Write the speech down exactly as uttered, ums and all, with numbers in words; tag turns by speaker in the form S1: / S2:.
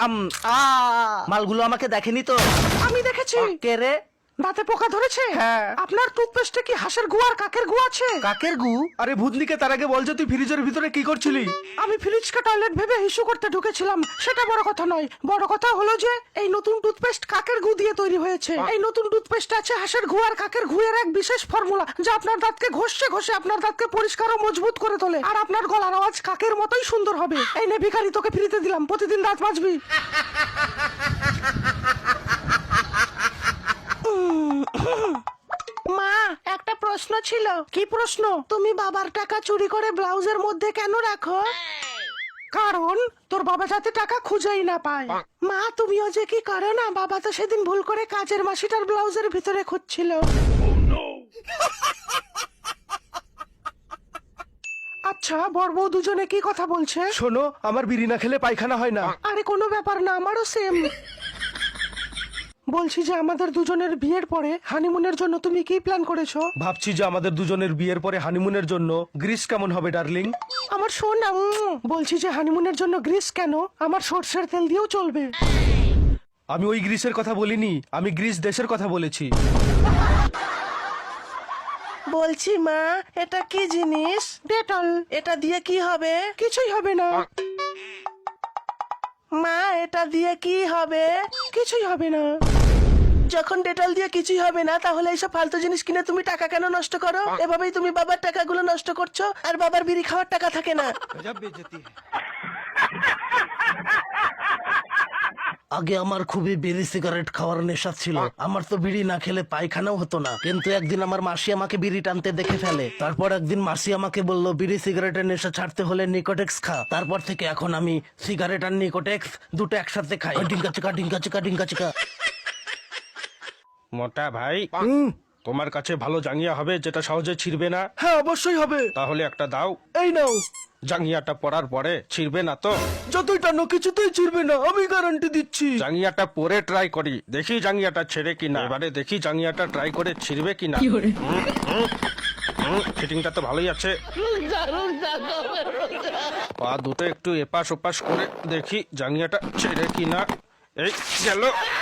S1: আম আ মালগুলো আমাকে দেখেনি তো?
S2: আমি দেখেছি।
S1: কে রে?
S2: দাঁতে পোকা ধরেছে?
S1: হ্যাঁ।
S2: আপনার টুথপেস্টে কি হাঁসের গু আর কাকের গু আছে?
S1: কাকের গু?
S3: আরে ভূতনিকে তার আগে বল যে তুই ফ্রিজের ভিতরে কি করছিলি?
S2: আমি ফ্রিজকে টয়লেট ভেবে হিসু করতে ঢুকেছিলাম, সেটা বড় কথা নয়। বড় কথা হলো যে এই নতুন টুথপেস্ট কাকের গু দিয়ে তৈরি হয়েছে। এই নতুন টুথপেস্টে আছে হাঁসের গু আর কাকের গুয়ের এক বিশেষ ফর্মুলা, যা আপনার দাঁতকে ঘষে ঘষে আপনার দাঁতকে পরিষ্কার ও মজবুত করে তোলে, আর আপনার গলার আওয়াজ কাকের মতোই সুন্দর হবে। এই নে ভিখারি, তোকে ফ্রিতে দিলাম, প্রতিদিন দাঁত মাজবি। মা, একটা প্রশ্ন ছিল। কি প্রশ্ন? তুমি বাবার টাকা চুরি করে ব্লাউজের মধ্যে কেন রাখো? কারণ তোর বাবা যাতে টাকা খুঁজেই না পায়। মা, তুমিও যে কি করো না, বাবা তো সেদিন ভুল করে কাজের মাসিটার ব্লাউজের ভিতরে খুঁজছিল। আচ্ছা, বর বউ দুজনে কি কথা বলছে?
S3: শোনো, আমার বিড়ি না খেলে পায়খানা হয় না।
S2: আরে কোনো ব্যাপার না, আমারও সেম। বলছি যে আমাদের দুজনের বিয়ের পরে হানিমুনের জন্য তুমি কি প্ল্যান করেছো?
S3: ভাবছি যে আমাদের দুজনের বিয়ের পরে হানিমুনের জন্য গ্রিস কেমন হবে ডার্লিং?
S2: আমার সোনা, উম, বলছি যে হানিমুনের জন্য গ্রিস কেন, আমার সর্ষের তেল দিয়েও চলবে।
S3: আমি ওই গ্রিসের কথা বলিনি, আমি গ্রিস দেশের কথা বলেছি।
S2: বলছি মা, এটা কি জিনিস? ডেটল। এটা দিয়ে কি হবে? কিছুই হবে না। মা, এটা দিয়ে কি হবে? কিছুই হবে না। যখন ডেটল দিয়ে কিছুই হবে না, তাহলে এইসব ফালতু জিনিস কিনে তুমি টাকা কেন নষ্ট করো? এভাবেই তুমি বাবার টাকাগুলো নষ্ট করছো, আর বাবার বিড়ি খাওয়ার টাকা থাকে না।
S4: আগে আমার খুবই বিড়ি সিগারেট খাওয়ার নেশা ছিল। আমার তো বিড়ি না খেলে পায়খানাও হতো না, কিন্তু একদিন আমার মাসি আমাকে বিড়ি টানতে দেখে ফেলে। তারপর একদিন মাসি আমাকে বলল, বিড়ি সিগারেটের নেশা ছাড়তে হলে নিকোটেক্স খা। তারপর থেকে এখন আমি সিগারেট আর নিকোটেক্স দুটো একসাথে খাই। ডিঙ্কা চিকা ডিঙ্কা চিকা ডিঙ্কা চিকা।
S5: মোটা ভাই, তোমার কাছে ভালো জাঙ্গিয়া হবে যেটা সহজে ছিড়বে না?
S3: হ্যাঁ, অবশ্যই হবে।
S5: তাহলে একটা দাও।
S3: এই নাও।
S5: জাঙ্গিয়াটা পরার পরে ছিড়বে না তো?
S3: যতই টানো কিছুতেই ছিড়বে না, আমি গ্যারান্টি দিচ্ছি।
S5: জাঙ্গিয়াটা পরে ট্রাই করি, দেখি জাঙ্গিয়াটা ছেড়ে কিনা। এবারে দেখি জাঙ্গিয়াটা ট্রাই করে ছিড়বে কিনা। ফিটিংটা তো ভালোই আছে। পা দুটো একটু এপাশ ওপাশ করে দেখি জাঙ্গিয়াটা ছেড়ে কিনা। এই গেল।